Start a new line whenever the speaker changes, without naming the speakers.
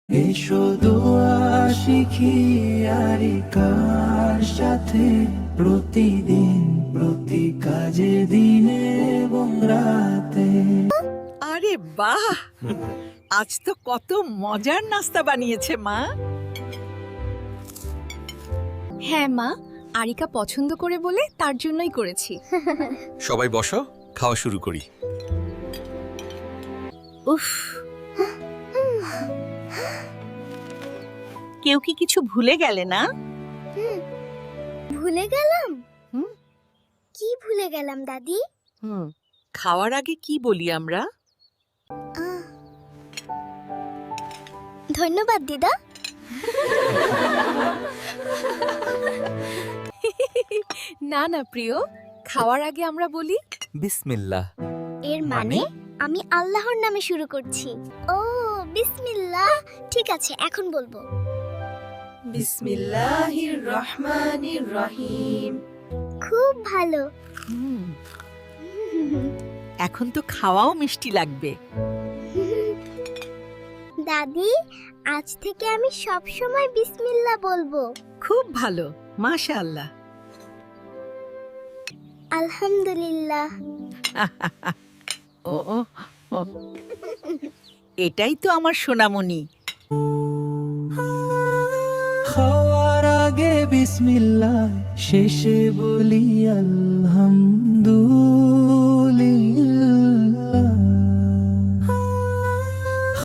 এসো দোয়া শিখি আরিকার সাথে, প্রতিদিন প্রতি কাজে দিনে এবং রাতে।
আরে বাহ, আজ তো কত মজার নাস্তা বানিয়েছে মা।
হ্যাঁ মা, আরিকা পছন্দ করে বলে তার জন্যই করেছি।
সবাই বসো, খাওয়া শুরু করি।
উফ, কেউ কি কিছু ভুলে গেলে না?
ভুলে গেলাম?
হুম।
কি ভুলে গেলাম দাদি?
খাওয়ার আগে কি বলি আমরা?
ধন্যবাদ দিদা।
না না প্রিয়, খাওয়ার আগে আমরা বলি
বিসমিল্লাহ।
এর মানে আমি আল্লাহর নামে শুরু করছি। ও বিসমিল্লাহ। ঠিক আছে, এখন বলবো।
বিসমিল্লাহির রহমানির রহিম।
খুব ভালো।
এখন তো খাওয়াও মিষ্টি লাগবে।
দাদি, আজ থেকে আমি সব সময় বিসমিল্লাহ বলবো।
খুব ভালো, মাশাআল্লাহ।
আলহামদুলিল্লাহ।
ও ও, ও। এটাই তো আমার সোনামণি।
খাওয়ার আগে বিসমিল্লাহ, শেষে বলি আলহামদুলিল্লাহ।